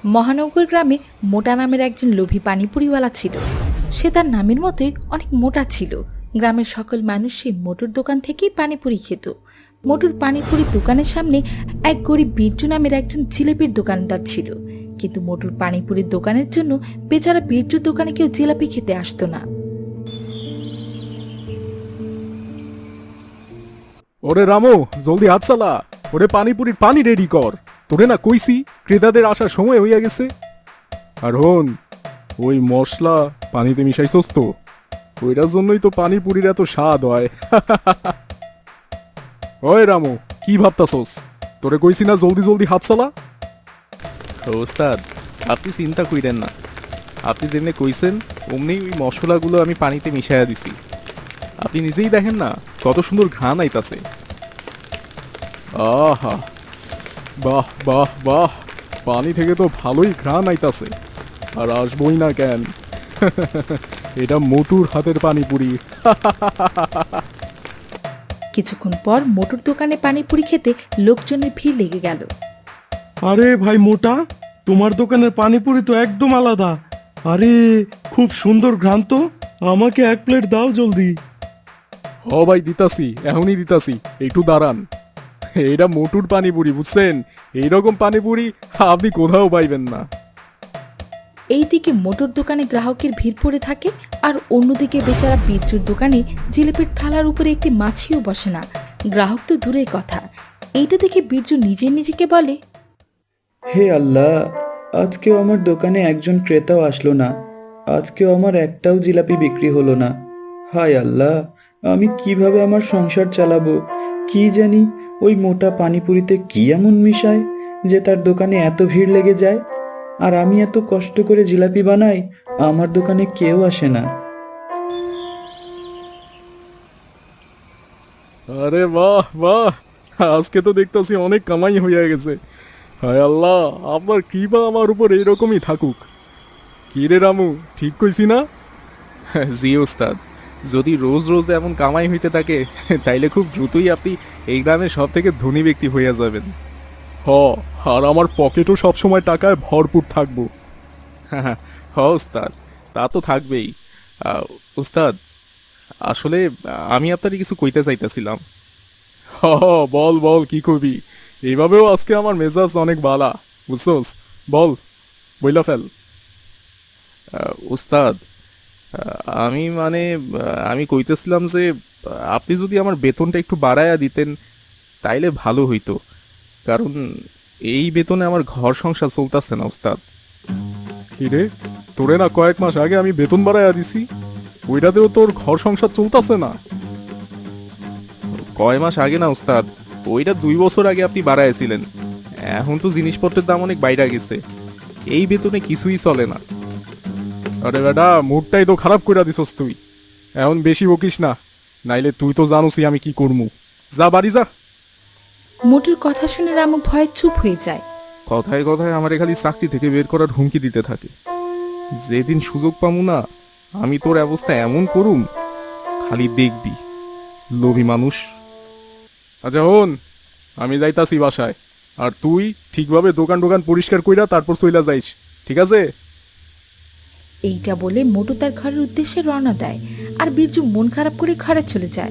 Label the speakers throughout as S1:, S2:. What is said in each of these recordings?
S1: মহানগর গ্রামে মোটা নামের একজন লোভী পানিপুরিওয়ালা ছিল। সে তার নামের মতোই অনেক মোটা ছিল। গ্রামের সকল মানুষ সেই মোটর দোকান থেকেই পানিপুরি খেত। মোটর পানিপুরির দোকানের সামনে এক গরিব বীরজু নামের একজন জিলাপির দোকানদার ছিল, কিন্তু মোটর পানিপুরির দোকানের জন্য বেচারা বীরজুর দোকানে কেউ জিলাপি খেতে আসতো না।
S2: ওরে রামু, জলদি হাত চালা। ওরে পানিপুরির পানি রেডি কর। তোরে না কইছি ক্রেতাদের আসার সময় হইয়া গেছে। আর হন, ওই মশলা পানিতে মিশাইছস তো, ওইটার জন্যই তো পানিপুরির এত স্বাদ হয়। ওই রামু, কি ভাবতাছস? তোরে কইছি না জলদি জলদি হাত চালা।
S3: ওস্তাদ, আপনি চিন্তা কইরেন না। আপনি যেমনি কইছেন অমনি ওই মশলাগুলো আমি পানিতে মিশাইয়া দিছি। আপনি নিজেই দেখেন না কত সুন্দর ঘ্রাণ আইতাছে।
S2: আহা, বাহ বাহ বাহ, পানি থেকে তো ভালোই ঘ্রাণ আইতাছে। আর আসবই না কেন? এটা মোটুর হাতের পানিপুরি।
S1: কিছুক্ষণ পর মোটর দোকানে পানিপুরি খেতে লোকজনের ভিড় লেগে গেল।
S4: আরে ভাই মোটা, তোমার দোকানের পানিপুরি তো একদম আলাদা। আরে খুব সুন্দর ঘ্রাণ তো, আমাকে এক প্লেট দাও জলদি।
S2: হ ভাই, দিতাছি, এখনই দিতাছি, একটু দাঁড়ান। এটা মোটুর পানিপুরি, বুঝছেন? এইরকম পানিপুরি আপনি কোথাও পাইবেন না।
S1: এইদিকে মোটর দোকানে গ্রাহকের ভিড় পড়ে থাকে, আর অন্যদিকে বেচারা বীরজুর দোকানে জিলিপির থালার উপরে একটি মাছিও বসে না। গ্রাহক তো দূরের কথা, এইটা দেখে বীরজু নিজেকে বলে,
S5: হে আল্লাহ, আজকেও আমার দোকানে একজন ক্রেতাও আসলো না। আজকেও আমার একটাও জিলাপি বিক্রি হলো না। হায় আল্লাহ, আমি কিভাবে আমার সংসার চালাবো? কি জানি ওই মোটা পানিপুরিতে কি এমন মিশায় যে তার দোকানে এত ভিড় লেগে যায়, আর আমি এত কষ্ট করে জিলাপি বানাই, আমার দোকানে কেউ আসে না।
S2: আরে বাহ বাহ, আজকে তো দেখতেছি অনেক কামাই হইয়া গেছে। হায় আল্লাহ, আপনার কৃপা আমার উপর এইরকমই থাকুক। কি রে রামু, ঠিক কইছি না?
S3: জি ওস্তাদ, যদি রোজ রোজ এমন কামাই হইতে থাকে তাইলে খুব দ্রুতই আপনি এই গ্রামের সব থেকে ধনী ব্যক্তি হইয়া যাবেন।
S2: হ, আর আমার পকেটও সবসময় টাকায় ভরপুর থাকবো।
S3: হ ওস্তাদ, তা তো থাকবেই। ওস্তাদ, আসলে আমি আপনার কিছু কইতে চাইতেছিলাম।
S2: হ, বল বল, কি কবি? এইভাবেও আজকে আমার মেজাজ অনেক বালা, বুঝছস? বল, বইলা ফেল।
S3: ওস্তাদ, আমি মানে আমি কইতেছিলাম যে আপনি যদি আমার বেতনটা একটু বাড়ায়া দিতেন তাইলে ভালো হইতো। কারণ এই বেতনে আমার ঘর সংসার চলতেছে না ওস্তাদ।
S2: কি রে, তোরে না কয়েক মাস আগে আমি বেতন বাড়াইয়া দিছি, ওইটাতেও তোর ঘর সংসার চলতেছে না?
S3: কয় মাস আগে না ওস্তাদ, ওইটা 2 বছর আগে আপনি বাড়াইছিলেন। এখন তো জিনিসপত্রের দাম অনেক বাইরে গেছে, এই বেতনে কিছুই চলে না।
S2: আরে বেটা, মুডটাই তো খারাপ কইরা দিছস তুই। এখন বেশি বকিস না, নাইলে তুই তো জানোসই আমি কি করমু। যা বাড়ি যা।
S1: মোটুর কথা শুনে রামু ভয়ে চুপ হয়ে যায়।
S3: কথায় কথায় আমারে খালি চাকরি থেকে বের করার হুমকি দিতে থাকে। যেদিন সুযোগ পামু না, আমি তোর অবস্থা এমন করুম, খালি দেখবি। লোভী মানুষ।
S2: আচ্ছা হন, আমি যাইতাছি বাসায়, আর তুই ঠিকভাবে দোকান টোকান পরিষ্কার কইরা তারপর চইলা যাইস, ঠিক আছে?
S1: এইটা বলে মোটু তার ঘরের উদ্দেশ্যে রওনা দেয়, আর বীরজু মন খারাপ করে ঘরে চলে যায়।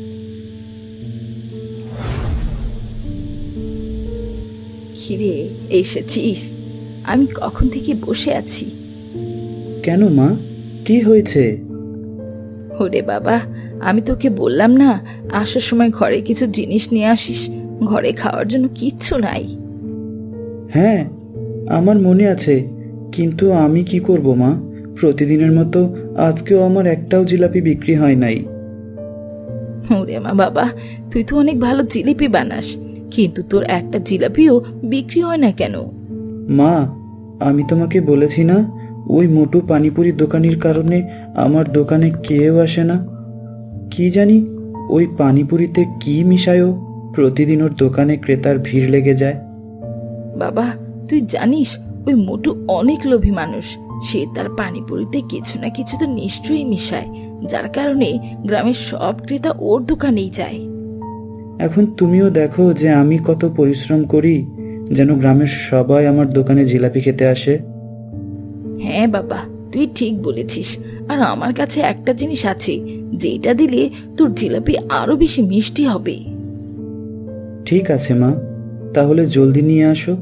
S1: হিরে, এসেছিস? আমি কখন থেকে বসে আছি।
S5: কেন মা, কি হয়েছে?
S1: ওরে বাবা, আমি তোকে বললাম না আসার সময় ঘরে কিছু জিনিস নিয়ে আসিস, ঘরে খাওয়ার জন্য কিচ্ছু নাই।
S5: হ্যাঁ, আমার মনে আছে, কিন্তু আমি কি করব মা? প্রতিদিনের মতো আজকেও আমার একটাও জিলাপি বিক্রি হয় নাই।
S1: ওরে মা বাবা, তুই তো অনেক ভালো জিলিপি বানাস, কিন্তু তোর একটা জিলাপিও বিক্রি হয় না কেন?
S5: মা, আমি তোমাকে বলেছি না, ওই মোটু পানিপুরি দোকানির কারণে আমার দোকানে কেউ আসে না। কি জানি ওই পানিপুরিতে কি মিশায়ও, প্রতিদিন ওর দোকানে ক্রেতার ভিড় লেগে যায়।
S1: বাবা, তুই জানিস ওই মোটু অনেক লোভী মানুষ। সে তার পানিপুরিতে কিছু না কিছু তো নিশ্চয়ই মিশায়, যার কারণে গ্রামের সব ক্রেতা ওর দোকানেই যায়।
S5: এখন তুমিও দেখো যে আমি কত পরিশ্রম করি, যেন গ্রামের সবাই আমার দোকানে জিলাপি খেতে আসে?
S1: হ্যাঁ বাবা, তুই ঠিক বলেছিস। আর আমার কাছে একটা জিনিস আছে, যেটা দিলে তোর জিলাপি আরো বেশি মিষ্টি হবে।
S5: ঠিক আছে মা, তাহলে জলদি নিয়ে আসো।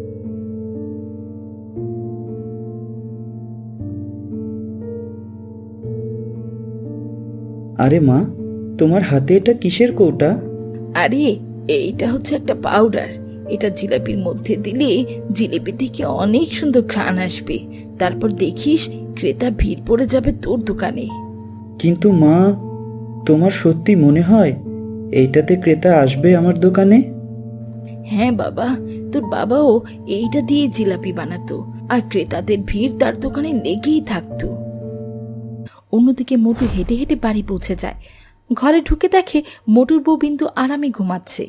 S5: আরে মা, তোমার হাতে এটা কিসের কৌটা?
S1: আরে, এইটা হচ্ছে একটা পাউডার। এটা জিলাপির মধ্যে দিলে জিলিপি থেকে অনেক সুন্দর ঘ্রাণ আসবে। তারপর দেখিস ক্রেতা ভিড় পড়ে যাবে তোর দোকানে।
S5: কিন্তু মা, তোমার সত্যি মনে হয় এইটাতে ক্রেতা আসবে আমার দোকানে?
S1: হ্যাঁ বাবা, তোর বাবাও এইটা দিয়ে জিলাপি বানাতো, আর ক্রেতাদের ভিড় তার দোকানে লেগেই থাকতো। অন্যদিকে মোটু হেঁটে হেঁটে বাড়ি পৌঁছে যায়। ঘরে ঢুকে দেখে মোটুর বউ বিন্দু আরামে ঘুমাচ্ছে।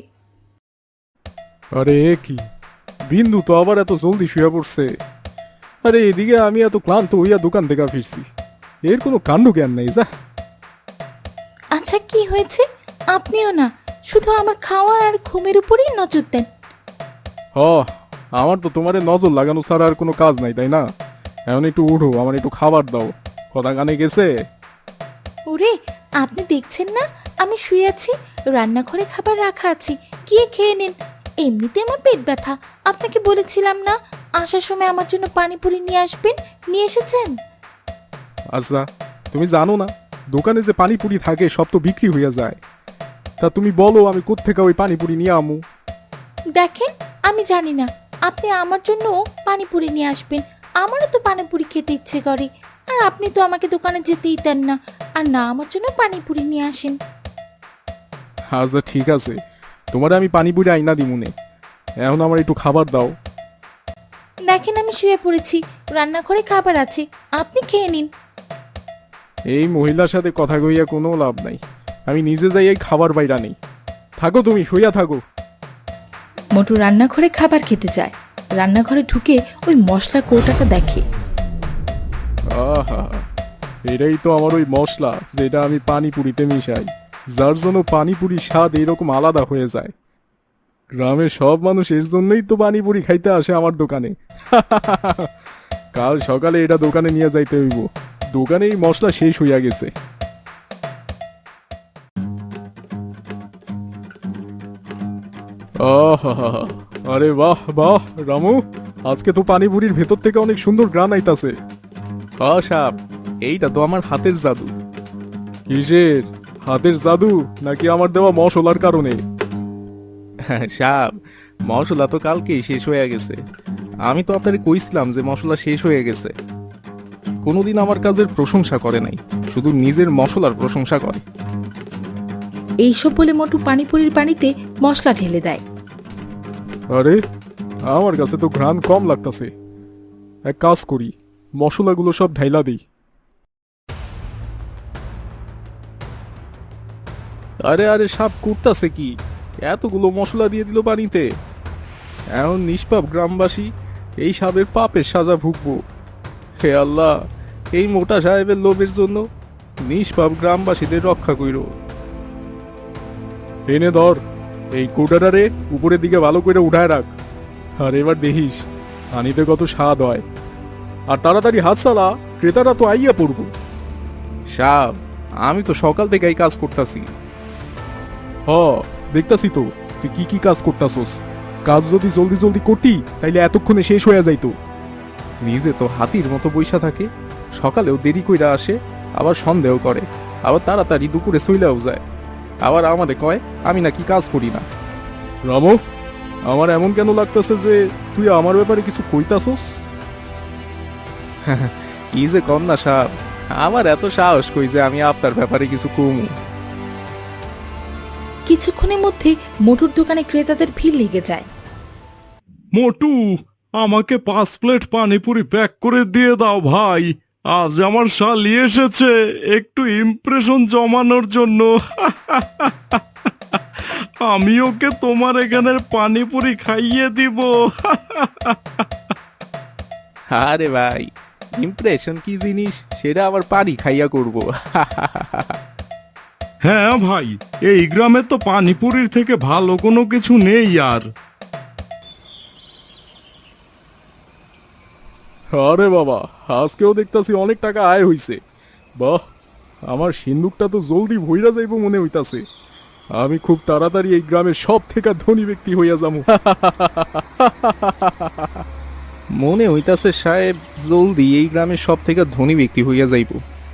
S2: আরে এ কি, বিন্দু তো আবার এত জলদি শুয়ে পড়ছে? আরে এদিকে আমি এত ক্লান্ত হইয়া দোকান থেকে ফিরছি, এর কোনো কাণ্ড জ্ঞান নেই যা।
S1: আচ্ছা, কি হয়েছে? আপনিও না শুধু আমার খাওয়া আর ঘুমের উপরেই নজর দেন।
S2: হ, আমার তো তোমারে নজর লাগানো ছাড়া আর কোনো কাজ নাই, তাই না? এখন একটু উঠো, আমার একটু খাবার দাও। কথা কানে গেছে?
S1: ওরে, আপনি দেখছেন না আমি শুয়ে আছি? রান্নাঘরে খাবার রাখা আছে, গিয়ে খেয়ে নিন। এমনিতে আমার পেট ব্যথা। আপনাকে বলেছিলাম না আসার সময় আমার জন্য পানিপুরি নিয়ে আসবেন, নিয়ে এসেছেন?
S2: আচ্ছা, তুমি জানো না দোকানে যে পানিপুরি থাকে সব তো বিক্রি হইয়া যায়। তা তুমি বলো আমি কোত্থেকে ওই পানিপুরি নিয়ে আমু?
S1: দেখেন, আমি জানি না। আপনি আমার জন্য পানিপুরি নিয়ে আসবেন। আমারও তো পানিপুরি খেতে ইচ্ছে করে। আর আপনি তো আমাকে দোকানে যেতেই দেন না, আর না আমার জন্য পানিপুরি নিয়ে আসেন।
S2: আচ্ছা ঠিক আছে, তোমারে আমি পানিপুরি আইনা দিমুনে। এখন আমার একটু খাবার দাও।
S1: দেখেন, আমি শুয়ে পড়েছি, রান্নাঘরে খাবার আছে, আপনি খেয়ে নিন।
S2: এই মহিলার সাথে কথা কইয়া কোনো লাভ নাই, আমি নিজে যাই এই খাবার বাইরা নেই। থাকো, তুমি শুইয়া থাকো।
S1: মোটু রান্নাঘরে খাবার খেতে যায়। রান্নাঘরে ঢুকে ওই মশলা কৌটাটা দেখে।
S2: আহা, এটাই তো আমার ওই মশলা যেটা আমি পানিপুরিতে মিশাই, যার জন্য পানিপুরি স্বাদ এইরকম আলাদা হয়ে যায়। গ্রামের সব মানুষ এর জন্যই তো পানিপুরি খাইতে আসে আমার দোকানে। কাল সকালে এটা দোকানে নিয়ে যাইতে হইব, দোকানে এই মশলা শেষ হইয়া গেছে। আহা, আরে বাহ বাহ রামু, আজকে তো পানিপুরির ভেতর থেকে অনেক সুন্দর গ্রান আইতাছে।
S3: সাপ, এইটা তো আমার হাতের জাদু।
S2: কিসের হাতের জাদু, নাকি আমার দেওয়া মশলার কারণে?
S3: সাপ, মশলা তো কালকেই শেষ হয়ে গেছে। আমি তো আপনাকে কইছিলাম যে মশলা শেষ হয়ে গেছে। কোনোদিন আমার কাজের প্রশংসা করে নাই, শুধু নিজের মশলার প্রশংসা করে।
S1: এইসব বলে মোটু পানিপুরির পানিতে মশলা ঢেলে দেয়।
S2: আরে আমার কাছে তো ঘ্রাণ কম লাগতাছে, এক কাজ করি, মশলাগুলো সব ঢাইলা দিই।
S3: আরে আরে সাপ করতাছে কি? এতগুলো মশলা দিয়ে দিল পানিতে। এখন নিষ্পাপ গ্রামবাসী এই সাপের পাপের সাজা ভুগবো। হে আল্লাহ, এই মোটা সাহেবের লোভের জন্য নিষ্পাপ গ্রামবাসীদের রক্ষা কইর।
S2: এনে ধর, এই কোটাটারে উপরের দিকে ভালো করে উঠায় রাখ। আর এবার দেখিস পানিতে কত স্বাদ হয়। আর তাড়াতাড়ি হাত চালা, ক্রেতারা তো আইয়া পড়ব।
S3: সাপ, আমি তো সকাল থেকে এই কাজ করতেছি।
S2: হ, দেখতাছি তো তুই কি কি কাজ করতাছস। কাজ যদি জলদি জলদি করতি তাইলে এতক্ষণে শেষ হয়ে যাইতো।
S3: নিজে তো হাতির মতো বইসা থাকে, সকালেও দেরি কইরা আসে, আবার সন্দেহ করে, আবার তাড়াতাড়ি দুপুরে চইলাও যায়, আবার আমারে কয় আমি নাকি কাজ করি না।
S2: রামু, আমার এমন কেন লাগতেছে যে তুই আমার ব্যাপারে কিছু কইতাছস?
S3: কি যে কন্যা সাপ, আমার এত সাহস কই যে আমি আপনার ব্যাপারে কিছু কমু।
S1: কিছুক্ষণের মধ্যে মোটুর দোকানে ক্রেতাদের ভিড় লেগে যায়।
S4: মোটু, আমাকে 5 প্লেট পানিপুরি প্যাক করে দিয়ে দাও ভাই। আজ আমার শালি এসেছে একটু ইমপ্রেশন জমানোর জন্য। আমি ওকে তোমার এখানের পানিপুরি খাইয়ে দিব।
S3: আরে ভাই, ইমপ্রেশন কি জিনিস সেটা আবার পানি খাইয়া করব।
S4: হ্যাঁ ভাই, এই গ্রামে তো পানিপুরির থেকে ভালো কোনো কিছু নেই আর।
S2: আরে বাবা, আজকেও দেখতাছি অনেক টাকা আয় হইছে। বাহ, আমার সিন্দুকটা তো জলদি ভইরা যাইব মনে হইতাছে। আমি খুব তাড়াতাড়ি এই গ্রামের সব থেকে ধনী ব্যক্তি হইয়া যাবো।
S3: মনে হইতাছে সাহেব জলদি এই গ্রামের সব থেকে ধনী ব্যক্তি হইয়া যাইব।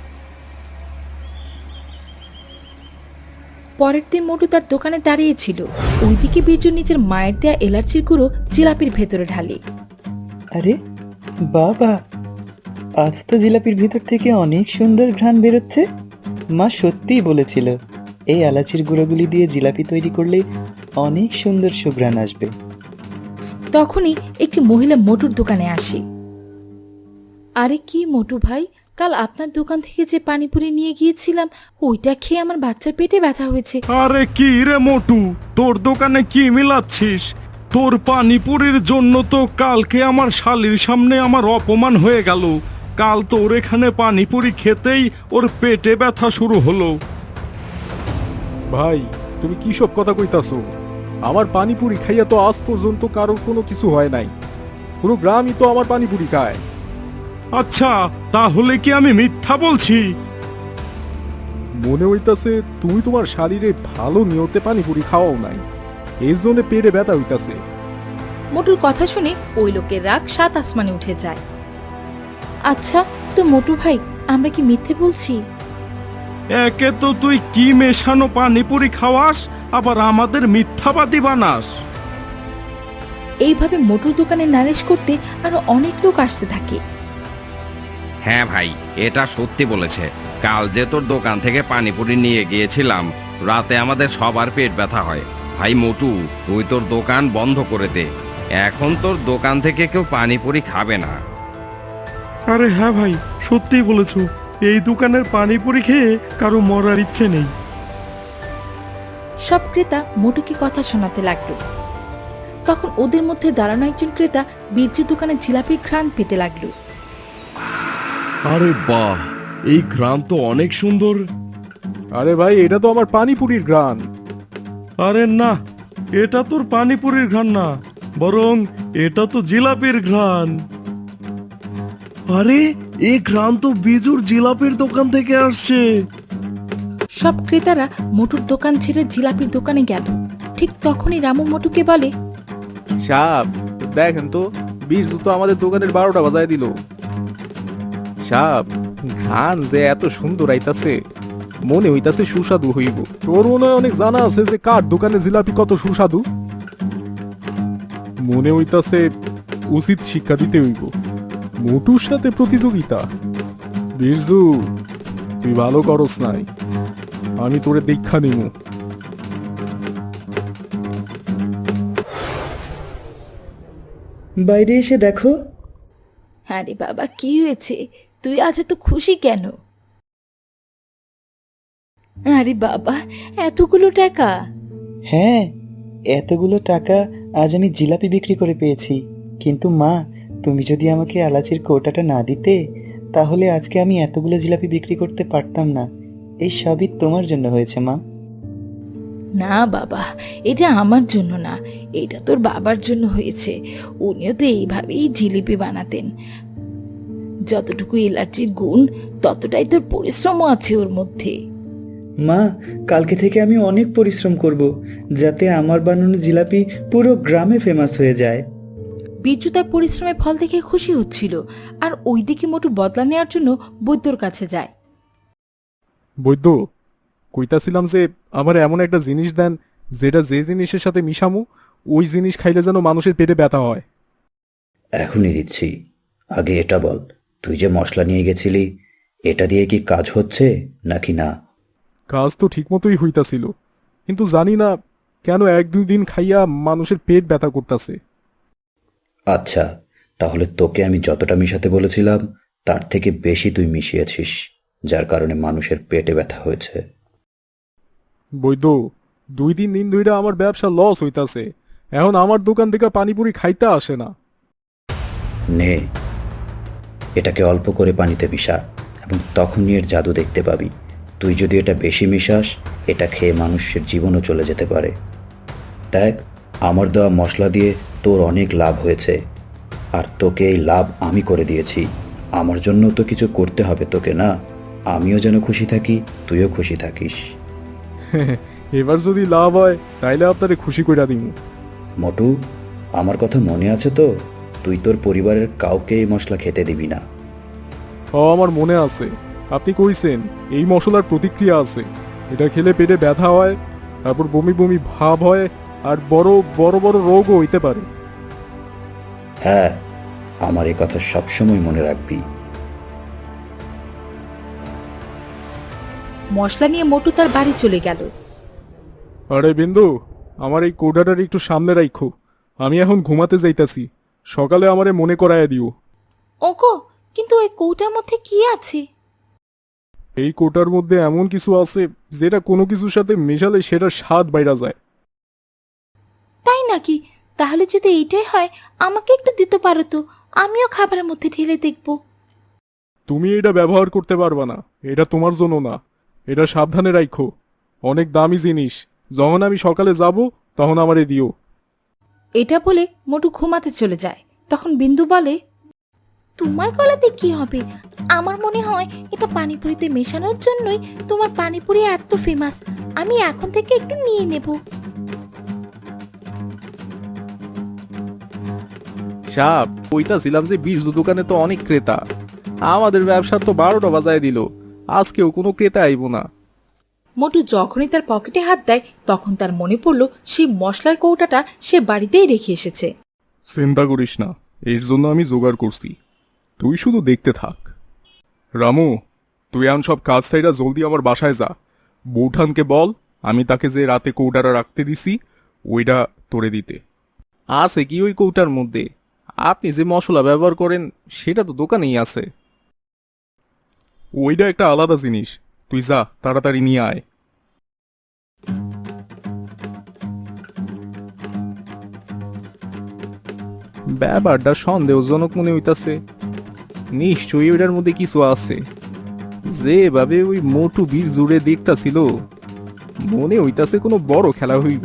S1: পরের দিন মোটু তার দোকানে দাঁড়িয়েছিল। ওইদিকে বীরজু নিজের মায়ের দেয়া এলাচির গুঁড়ো জিলাপির ভেতরে ঢালে।
S5: আরে বাবা, আজ তো জিলাপির ভিতর থেকে অনেক সুন্দর ঘ্রাণ বেরোচ্ছে। মা সত্যিই বলেছিল এই এলাচির গুঁড়োগুলি দিয়ে জিলাপি তৈরি করলে অনেক সুন্দর সুঘ্রাণ আসবে।
S1: তখনই একটি মহিলা মোটুর দোকানে আসে। আরে কি মোটু ভাই, কাল আপনার দোকান থেকে যে পানিপুরি নিয়ে গিয়েছিলাম ওইটা খেয়ে আমার বাচ্চার পেটে ব্যথা হয়েছে।
S4: আরে কি রে মোটু, তোর দোকানে কি মিলাচ্ছিস? তোর পানিপুরির জন্য তো কালকে আমার শালির সামনে আমার অপমান হয়ে গেল। কাল তোর এখানে পানিপুরি খেতেই ওর পেটে ব্যথা শুরু হলো।
S2: ভাই, তুমি কি সব কথা কইতাছো? আমার পানিপুরি খাইয়া তো আজ পর্যন্ত কারোর কোনো কিছু হয় নাই। পুরো গ্রামই তো আমার পানিপুরি খায়।
S4: আচ্ছা, তাহলে কি আমি মিথ্যা বলছি?
S2: মনে হইতাছে তুমি তোমার শারীরে ভালো নিয়তে পানিপুরি খাওয়াও নাই, এই জন্য পেটে ব্যথা হইতাছে।
S1: মোটুর কথা শুনে ওই লোকের রাগ সাত আসমানে উঠে যায়। আচ্ছা তো মোটু ভাই, আমরা কি মিথ্যে বলছি?
S4: একে তো তুই কি মেশানো পানিপুরি খাওয়াস, আবার আমাদের মিথ্যাবাদী বানাস।
S1: এইভাবে মোটুর দোকানে নালিশ করতে আরো অনেক লোক আসতে থাকে।
S6: হ্যাঁ ভাই, এটা সত্যি বলেছে। কাল যে তোর দোকান থেকে পানিপুরি নিয়ে গিয়েছিলাম, রাতে আমাদের সবার পেট ব্যথা হয়। ভাই মোটু, তুই তোর দোকান বন্ধ করে দে। এখন তোর দোকান থেকে কেউ পানিপুরি খাবে না।
S4: আরে হ্যাঁ ভাই, সত্যিই বলেছ। এই দোকানের পানিপুরি খেয়ে কারো মরার ইচ্ছে নেই।
S1: সব ক্রেতা মোটুকে কথা শোনাতে লাগলো। তখন ওদের মধ্যে দাঁড়ানো একজন ক্রেতা বীরজু দোকানে জিলাপির ঘ্রাণ পেতে লাগলো।
S4: আরে বাহ, এই ঘ্রাণ তো অনেক সুন্দর।
S2: আরে ভাই, এটা তো আমার পানিপুরির গ্রান।
S4: আরে না, এটা তোর পানিপুরির ঘ্রাণ না, বরং এটা তো জিলাপির ঘ্রাণ। আরে এই ঘ্রাণ তো বিজুর জিলাপির দোকান থেকে আসছে।
S1: সব ক্রেতারা মোটুর দোকান ছেড়ে জিলাপির দোকানে গেল। ঠিক তখনই রামু মোটুকে বলে,
S3: সাহেব দেখেন তো, বীরজু তো আমাদের দোকানের 12টা বাজায় দিল। সাহেব, ঘ্রাণ যে এত সুন্দর আইতাছে, মনে হইতাছে সুস্বাদু হইব।
S2: তোর মনে হয় অনেক জানা আছে যে কার দোকানে জিলাপি কত সুস্বাদু। মনে হইতাছে উচিত শিক্ষা দিতে হইব। মোটুর সাথে প্রতিযোগিতা? বিরজু, তুই ভালো করস নাই, আমি তোরে দীক্ষা নিব।
S5: বাইরে এসে দেখো।
S1: আরে বাবা, কি হয়েছে? তুই আজ এত খুশি কেন? আরে বাবা, এতগুলো টাকা!
S5: হ্যাঁ, এতগুলো টাকা আজ আমি জিলাপি বিক্রি করে পেয়েছি। কিন্তু মা, তুমি যদি আমাকে এলাচির কৌটাটা না দিতে, তাহলে আজকে আমি এতগুলো জিলাপি বিক্রি করতে পারতাম না। এই সবই তোমার জন্য হয়েছে মা।
S1: না বাবা, এটা আমার জন্য না, এটা তোর বাবার জন্য হয়েছে। উনিও তো এইভাবেই জিলিপি বানাতেন। যতটুকু এলাচির গুণ, ততটাই তোর পরিশ্রমও আছে ওর মধ্যে।
S5: মা, কালকে থেকে আমি অনেক পরিশ্রম করব, যাতে আমার বানানো জিলাপি পুরো গ্রামে ফেমাস হয়ে যায়।
S1: বীরজু তার পরিশ্রমের ফল দেখে খুশি হচ্ছিল। আর ওইদিকে মোটু বদলা নেওয়ার জন্য বৈদ্যর কাছে যায়।
S2: বৈদ্য, কইতাছিলাম যে আমার এমন একটা জিনিস দেন যেটা যে জিনিসের সাথে মিশামু ওই জিনিস খাইলে যেন মানুষের পেটে ব্যথা হয়।
S7: এখনই দিচ্ছি। আগে এটা বল, তুই যে মশলা নিয়ে গেছিলি, এটা দিয়ে কি কাজ হচ্ছে নাকি না?
S2: কাজ তো ঠিকমতোই হইতাছিল, কিন্তু জানি না কেন 1-2 দিন খাইয়া মানুষের পেট ব্যথা করতেছে।
S7: আচ্ছা, তাহলে তোকে আমি যতটা মিশাতে বলেছিলাম তার থেকে বেশি তুই মিশিয়েছিস, যার কারণে মানুষের পেটে ব্যথা হয়েছে।
S2: বৈদ্য, 2-3 দিন ধইরা আমার ব্যবসা লস হইতাছে। এখন আমার দোকান থেকে পানিপুরি খাইতে আসে না।
S7: নে, এটাকে অল্প করে পানিতে মিশা এবং তখনই এর জাদু দেখতে পাবি। তুই যদি এটা বেশি মিশাস, এটা খেয়ে মানুষের জীবনও চলে যেতে পারে। দেখ, আমার দেওয়া মশলা দিয়ে তোর অনেক লাভ হয়েছে। আর তোকে এই লাভ আমি করে দিয়েছি। আমার জন্য তো কিছু করতে হবে তোকে, না? আমিও যেন খুশি থাকি, তুইও খুশি থাকিস।
S2: এবার যদি লাভ হয় তাইলে আপনারে খুশি কইরা দিমু।
S7: মোটু, আমার কথা মনে আছে তো? তুই তোর পরিবারের কাউকে এই মশলা খেতে দিবি না।
S2: আমার মনে আছে, আপনি কইছেন এই মশলার প্রতিক্রিয়া আছে, এটা খেলে পেটে ব্যথা হয়, তারপর বমি বমি ভাব হয়, আর বড় বড় বড় রোগও হইতে পারে।
S7: হ্যাঁ, আমার এই কথা সবসময় মনে রাখবি।
S1: মশলা নিয়ে মোটু তার বাড়ি চলে গেল।
S2: আরে বিন্দু, আমার এই কৌটাটার একটু সামনে রাখো, আমি এখন ঘুমাতে যাইতাছি, সকালে আমারে মনে করাইয়া দিও।
S1: ওগো, কিন্তু ওই কৌটার মধ্যে কি আছে?
S2: এই কোটার মধ্যে এমন কিছু আছে যেটা কোনো কিছুর সাথে মেশালে সেটার স্বাদ বাইরা যায়।
S1: তাই নাকি? তাহলে যদি এইটাই হয় আমাকে একটু দিতে পারো তো, আমিও খাবারের মধ্যে ঢেলে দেখব।
S2: তুমি এটা ব্যবহার করতে পারবা না, এটা তোমার জন্য না, এটা সাবধানে রাখো, অনেক দামি জিনিস। যখন আমি সকালে যাব তখন আমারে দিও।
S1: এটা বলে মোটু ঘুমাতে চলে যায়। তখন বিন্দু বলে, তোমার গলাতে কি হবে? আমার মনে হয় এটা পানিপুরিতে মেশানোর জন্যই তোমার পানিপুরি এত ফেমাস। আমি এখন থেকে একটু নিয়ে নেব।
S3: সাপ, কইতাছিলাম যে বীজ দোকানে তো অনেক ক্রেতা, আমাদের ব্যবসার তো 12টা বাজায় দিল, আজকেও কোনো ক্রেতা আইব না।
S1: মোটু যখনই তার পকেটে হাত দেয় তখন তার মনে পড়ল সেই মশলার কৌটাটা সে বাড়িতেই রেখে এসেছে।
S2: চিন্তা করিস না, এর জন্য আমি জোগাড় করছি, তুই শুধু দেখতে থাক। রামু, তুই এখন সব কাজ সাইডা জলদি আমার বাসায় যা। বৌঠানকে বল আমি তাকে যে রাতে কৌটাটা রাখতে দিছি ওইটা তোরে দিতে।
S3: আছে কি ওই কৌটার মধ্যে? আপনি যে মশলা ব্যবহার করেন সেটা তো দোকানেই আছে।
S2: ওইটা একটা আলাদা জিনিস, তুই যা তাড়াতাড়ি নিয়ে আয়।
S3: ব্যাপারটা সন্দেহজনক মনে হইতাছে, নিশ্চয়ই ওইটার মধ্যে কিছু আছে। যেভাবে ওই মোটু বীজ জুড়ে দেখতাছিল, মনে হইতাছে কোনো বড় খেলা হইব।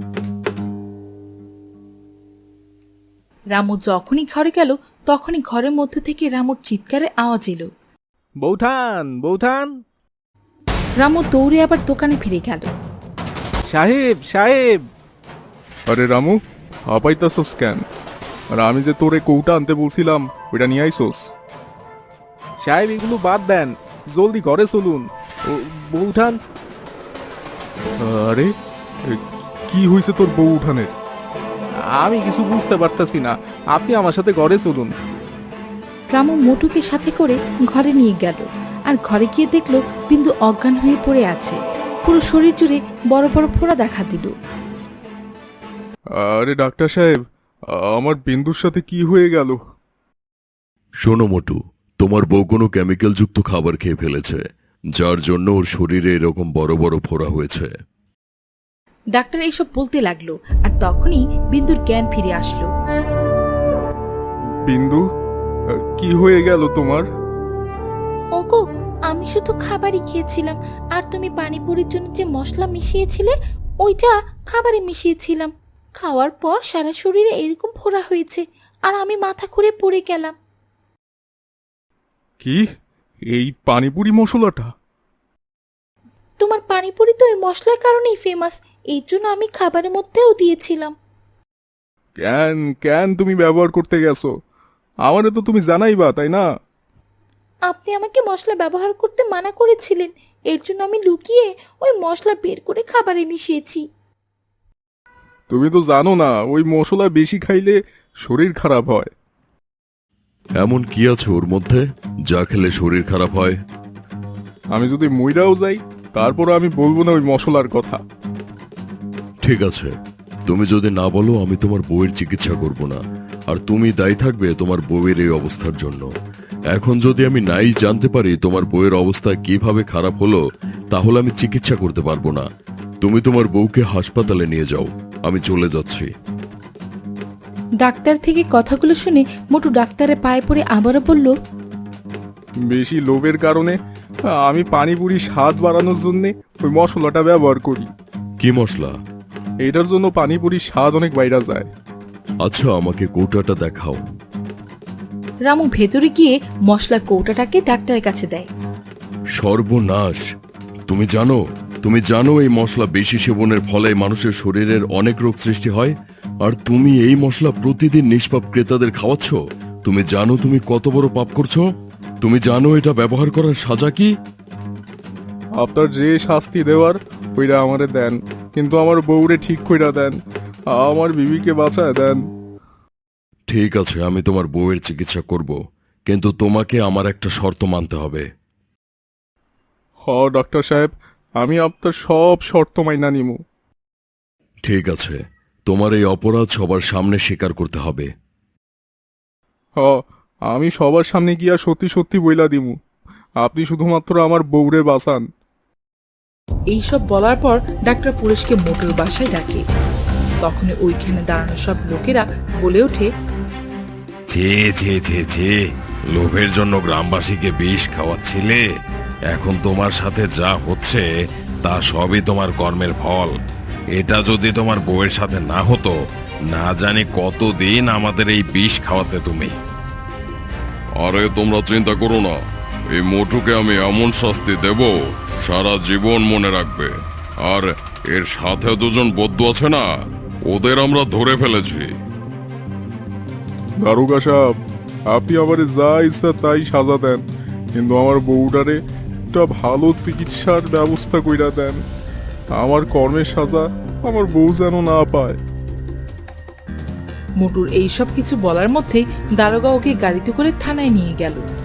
S1: রামু যখনই ঘরে গেল তখনই ঘরের মধ্য থেকে রামুর চিৎকারের আওয়াজ এলো।
S3: বৌঠান, বৌঠান!
S1: রামু দৌড়ে আবার দোকানে ফিরে গেল।
S3: সাহেব, সাহেব!
S2: আরে রামু, হাঁপাইতাছস কেন? আর আমি যে তোরে কৌটা আনতে বলছিলাম ওইটা নিয়ে আইসোস?
S3: সাহেব, এগুলো বাদ দেন, জলদি ঘরে চলুন। ও বৌঠান!
S2: আরে কি হয়েছে তোর বউ উঠানের?
S3: আমি কিছু বুঝতে পারতাছি না, আপনি আমার সাথে ঘরে চলুন।
S1: রামু মোটুকে সাথে করে ঘরে নিয়ে গেল, আর ঘরে গিয়ে দেখলো বিন্দু অজ্ঞান হয়ে পড়ে আছে। পুরো শরীর জুড়ে বড় বড় ফোড়া দেখা দিল।
S2: আরে ডাক্তার সাহেব, আমার বিন্দুর সাথে কি হয়ে গেল?
S8: শোনো মোটু, তোমার বউ কোনো কেমিক্যালযুক্ত খাবার খেয়ে ফেলেছে, যার জন্য ওর শরীরে এরকম বড় বড় ফোড়া হয়েছে।
S1: ডাক্তার এইসব বলতে লাগলো, আর তখনই বিন্দুর জ্ঞান ফিরে আসলো।
S2: বিন্দু, কি হয়ে গেল তোমার?
S1: ওগো, আমি শুধু খাবারই খেয়েছিলাম, আর তুমি পানিপুরির জন্য যে মশলা মিশিয়েছিলে ওইটা খাবারে মিশিয়েছিলাম। খাওয়ার পর সারা শরীরে এরকম ফোড়া হয়েছে, আর আমি মাথা ঘুরে পড়ে গেলাম।
S2: কি, এই পানিপুরি মশলাটা?
S1: তোমার পানিপুরি তো ওই মশলার কারণেই ফেমাস, এই জন্য আমি খাবারের মধ্যেও দিয়েছিলাম।
S2: কেন কেন তুমি ব্যবহার করতে গেছো? আমারে তো তুমি জানাইবা, তাই না?
S1: আপনি আমাকে মশলা ব্যবহার করতে মানা করেছিলেন, এর জন্য আমি লুকিয়ে ওই মশলা বের করে খাবারে মিশিয়েছি।
S2: তুমি তো জানো না ওই মশলা বেশি খাইলে শরীর খারাপ হয়।
S8: এমন কি আছে ওর মধ্যে যা খেলে শরীর খারাপ হয়?
S2: আমি যদি মইরাও যাই তারপর আমি বলবো না ওই মশলার কথা।
S8: ঠিক আছে, তুমি যদি না বলো আমি তোমার বউয়ের চিকিৎসা করব না, আর তুমি দায়ী থাকবে তোমার বউয়ের এই অবস্থার জন্য। এখন যদি আমি নাই জানতে পারি তোমার বউয়ের অবস্থা কিভাবে খারাপ হলো, তাহলে আমি চিকিৎসা করতে পারবো না। তুমি তোমার বউকে হাসপাতালে নিয়ে যাও, আমি চলে যাচ্ছি।
S1: ডাক্তার থেকে কথাগুলো শুনে মোটু ডাক্তারের পায়ে পড়ে আবারও বলল,
S2: বেশি লোভের কারণে আমি পানিপুরি স্বাদ বাড়ানোর জন্য ওই মশলাটা ব্যবহার করি।
S8: কি মশলা?
S2: এটার জন্য পানিপুরির স্বাদ অনেক বাইরা যায়।
S8: আচ্ছা, আমাকে কৌটাটা দেখাও।
S1: রামু ভেতরে গিয়ে মশলা কৌটাটাকে ডাক্তারের কাছে দেয়।
S8: সর্বনাশ! তুমি জানো এই মশলা বেশি সেবনের ফলে মানুষের শরীরের অনেক রোগ সৃষ্টি হয়, আর তুমি এই মশলা প্রতিদিন নিষ্পাপ ক্রেতাদের খাওয়াচ্ছ। তুমি জানো তুমি কত বড় পাপ করছো? তুমি জানো এটা ব্যবহার করার সাজা কি?
S2: আপনার যে শাস্তি দেওয়ার ওইটা আমারে দেন, কিন্তু আমার বউরে ঠিক কইরা দেন, আমার বিবিকে বাঁচায় দেন।
S8: ঠিক আছে, আমি তোমার বউয়ের চিকিৎসা করব, কিন্তু তোমাকে আমার একটা শর্ত মানতে হবে।
S2: ডাক্তার সাহেব, আমি আপনার সব শর্ত মাইনা নিমু।
S8: ঠিক আছে, তোমার এই অপরাধ সবার সামনে স্বীকার করতে হবে।
S2: আমি সবার সামনে গিয়া সত্যি সত্যি বইলা দিমু। আপনি শুধুমাত্র আমার বউরে বাঁচান।
S1: এইসব বলার পর ডাক্তার পুলিশকে মোটুর বাসায় ডাকে। তখন ওইখানে দাঁড়ানো সব লোকেরা বলে ওঠে,
S6: যে লোভের জন্য গ্রামবাসীকে বিষ খাওয়াচ্ছিলে, এখন তোমার সাথে যা হচ্ছে তা সবই তোমার কর্মের ফল। এটা যদি তোমার বউয়ের সাথে না হতো, না জানি কতদিন আমাদের এই বিষ খাওয়াতে তুমি।
S8: আরে তোমরা চিন্তা করো না, এই মোটুকে আমি এমন শাস্তি দেব সারা জীবন মনে রাখবে। আর এর সাথে দুজন বদ্ধ আছে না, ওদের আমরা ধরে ফেলেছি।
S2: দারোগা সাহেব, আপনি আমারে যা ইচ্ছা তাই সাজা দেন, কিন্তু আমার বউটারে একটা ভালো চিকিৎসার ব্যবস্থা কইরা দেন। আমার কর্মের সাজা আমার বউ যেন না পায়।
S1: মোটুর এইসব কিছু বলার মধ্যেই দারোগা ওকে গাড়িতে করে থানায় নিয়ে গেল।